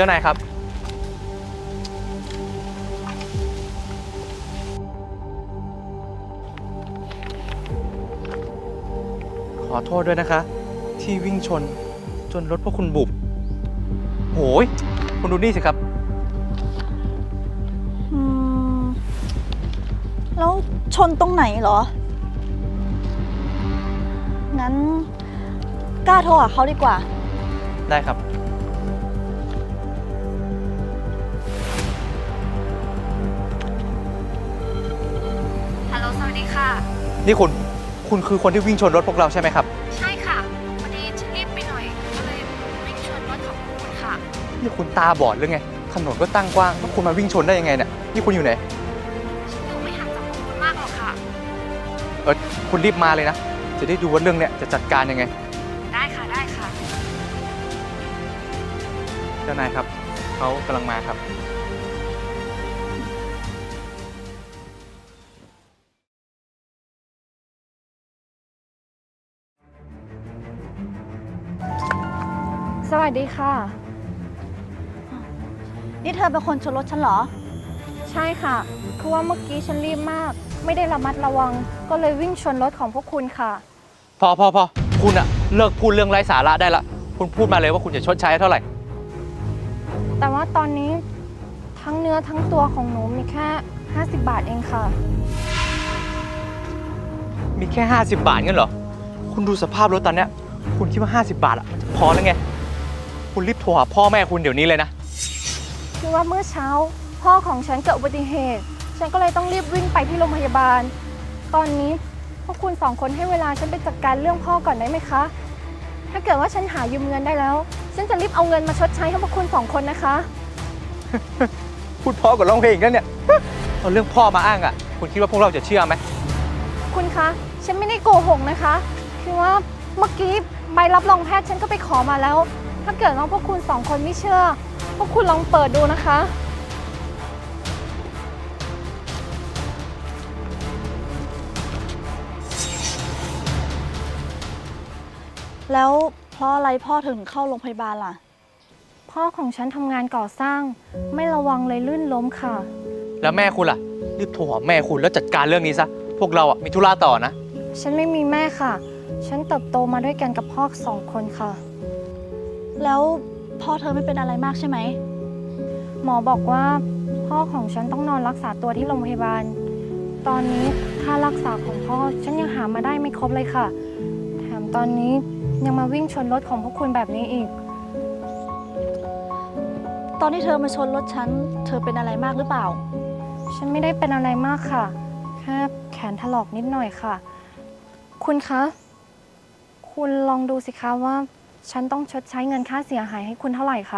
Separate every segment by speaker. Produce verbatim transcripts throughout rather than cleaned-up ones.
Speaker 1: จ้านายครับขอโทษด้วยนะคะ ที่วิ่งชนจนรถพวกคุณบุบโหยคุณดูนี่สิครับ
Speaker 2: อืม แล้วชนตรงไหนเหรอ งั้นกล้าโทรหาเขาดีกว่า
Speaker 1: ได้ครับ
Speaker 3: ฮัลโหล สวัสดีค่ะ
Speaker 1: นี่คุณ คุณคือคนที่วิ่งชนรถพวกเราใช่ไหมครับ
Speaker 3: ใช่ค่ะวันนี้ฉันรีบไปหน่อย ก็เลยวิ่งชนรถของคุณค่ะ
Speaker 1: นี่คุณตาบอดหรือไง ถนนก็ตั้งกว้างแล้วคุณมาวิ่งชนได้ยังไงเนี่ย นี่คุณอยู่ไหน
Speaker 3: ฉันอยู่ไม่ห่างจากพวกคุณมากหรอกค่ะ
Speaker 1: เออคุณรีบมาเลยนะ จะได้ดูว่าเรื่องเนี้ยจะจัดการยังไง
Speaker 3: ได้ค่ะ ได้ค่ะ
Speaker 1: เจ้านายครับ เขากำลังมาครับ
Speaker 3: สวัสดีค่ะ
Speaker 2: นี่เธอเป็นคนชนรถฉันเหรอ
Speaker 3: ใช่ค่ะ คือว่าเมื่อกี้ฉันรีบมาก ไม่ได้ระมัดระวัง ก็เลยวิ่งชนรถของพวกคุณค่ะ
Speaker 1: พอพอพอคุณอะเลิกพูดเรื่องไร้สาระได้ละ คุณพูดมาเลยว่าคุณจะชดใช้เท่าไหร่
Speaker 3: แต่ว่าตอนนี้ทั้งเนื้อทั้งตัวของหนูมีแค่ ห้าสิบบาทเองค่ะ
Speaker 1: มีแค่ ห้าสิบบาทงั้นเหรอ คุณดูสภาพรถตอนเนี้ย คุณคิดว่า ห้าสิบบาทอะมันจะพอแล้วไง คุณรีบโทรหาพ่อแม่คุณเดี๋ยวนี้เลยนะ
Speaker 3: คือว่าเมื่อเช้าพ่อของฉันเกิดอุบัติเหตุ ฉันก็เลยต้องรีบวิ่งไปที่โรงพยาบาล ตอนนี้พวกคุณสองคนให้เวลาฉันไปจัดการเรื่องพ่อก่อนได้ไหมคะ ถ้าเกิดว่าฉันหายืมเงินได้แล้ว ฉันจะรีบเอาเงินมาชดใช้ให้พวกคุณสองคนนะคะ
Speaker 1: พูดพ่อกับร้องเพลงกันเนี่ย เอาเรื่องพ่อมาอ้างอะคุณคิดว่าพวกเราจะเชื่อไหม
Speaker 3: คุณคะ ฉันไม่ได้โกหกนะคะ คือว่าเมื่อกี้ใบรับรองแพทย์ฉันก็ไปขอมาแล้ว ถ้าเกิดว่าพวกคุณสองคนไม่เชื่อ พวกคุณลองเปิดดูนะคะ
Speaker 2: แล้วเพราะอะไรพ่อถึงเข้าโรงพยาบาลล่ะ
Speaker 3: พ่อของฉันทำงานก่อสร้าง ไม่ระวังเลยลื่นล้มค่ะ
Speaker 1: แล้วแม่คุณล่ะ รีบโทรหาแม่คุณแล้วจัดการเรื่องนี้ซะ พวกเราอะมีธุระต่อนะ
Speaker 3: ฉันไม่มีแม่ค่ะ ฉันเติบโตมาด้วยกันกับพ่อสองคนค่ะ
Speaker 2: แล้วพ่อเธอไม่เป็นอะไรมากใช่ไหม
Speaker 3: หมอบอกว่าพ่อของฉันต้องนอนรักษาตัวที่โรงพยาบาล ตอนนี้ค่ารักษาของพ่อฉันยังหามาได้ไม่ครบเลยค่ะ แถมตอนนี้ยังมาวิ่งชนรถของพวกคุณแบบนี้อีก
Speaker 2: ตอนที่เธอมาชนรถฉัน เธอเป็นอะไรมากหรือเปล่า
Speaker 3: ฉันไม่ได้เป็นอะไรมากค่ะ แค่แขนถลอกนิดหน่อยค่ะ คุณคะ คุณลองดูสิคะว่า ฉันต้องชดใช้เงินค่าเสียหายให้คุณเท่าไหร่คะ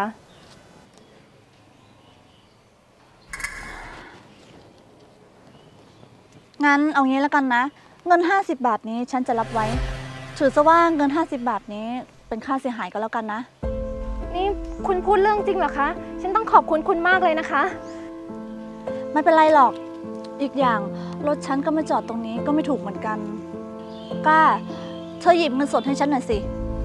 Speaker 2: งั้นเอางี้แล้วกันนะ เงิน ห้าสิบบาทนี้ฉันจะรับไว้ ถือซะว่าเงิน ห้าสิบบาทนี้เป็นค่าเสียหายก็แล้วกันนะ
Speaker 3: นี่คุณพูดเรื่องจริงเหรอคะ ฉันต้องขอบคุณคุณมากเลยนะคะ
Speaker 2: ไม่เป็นไรหรอก อีกอย่างรถฉันก็มาจอดตรงนี้ก็ไม่ถูกเหมือนกันกล้า เธอหยิบเงินสดให้ฉันหน่อยสิ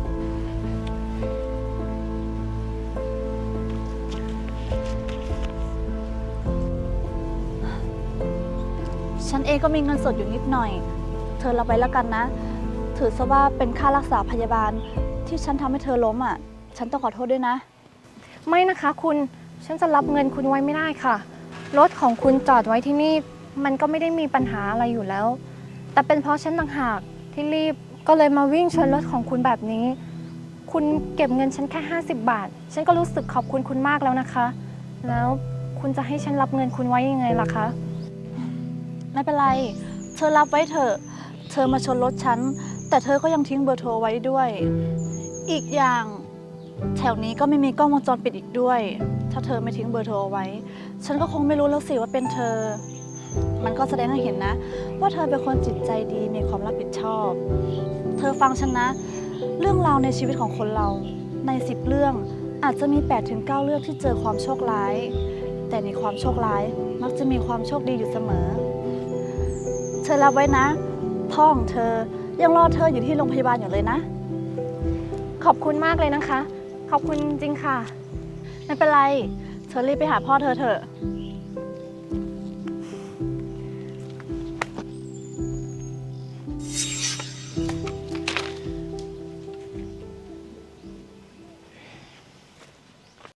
Speaker 2: ฉันเองก็มีเงินสดอยู่นิดหน่อย เธอรับไว้แล้วกันนะ ถือซะว่าเป็นค่ารักษาพยาบาลที่ฉันทำให้เธอล้มอ่ะ ฉันต้องขอโทษด้วยนะ
Speaker 3: ไม่นะคะคุณ ฉันจะรับเงินคุณไว้ไม่ได้ค่ะ รถของคุณจอดไว้ที่นี่ มันก็ไม่ได้มีปัญหาอะไรอยู่แล้ว แต่เป็นเพราะฉันต่างหากที่รีบ ก็เลยมาวิ่งชนรถของคุณแบบนี้ คุณเก็บเงินฉันแค่ห้าสิบบาท ฉันก็รู้สึกขอบคุณคุณมากแล้วนะคะ แล้วคุณจะให้ฉันรับเงินคุณไว้ยังไงล่ะคะ
Speaker 2: ไม่เป็นไร เธอรับไว้เถอะ เธอมาชนรถฉัน แต่เธอก็ยังทิ้งเบอร์โทรไว้ด้วย อีกอย่าง แถวนี้ก็ไม่มีกล้องวงจรปิดอีกด้วย ถ้าเธอไม่ทิ้งเบอร์โทรเอาไว้ ฉันก็คงไม่รู้แล้วสิว่าเป็นเธอ มันก็แสดงให้เห็นนะ ว่าเธอเป็นคนจิตใจดีมีความรับผิดชอบ เธอฟังฉันนะ เรื่องราวในชีวิตของคนเรา ในสิบเรื่องอาจจะมี แปดถึงเก้า เรื่องที่เจอความโชคร้าย แต่ในความโชคร้ายมักจะมีความโชคดีอยู่เสมอ เธอรับไว้นะ พ่อของเธอยังรอเธออยู่ที่โรงพยาบาลอยู่เลยนะ
Speaker 3: ขอบคุณมากเลยนะคะ ขอบคุณจริงๆค่ะ
Speaker 2: ไม่เป็นไร เธอรีบไปหาพ่อเธอเถอะ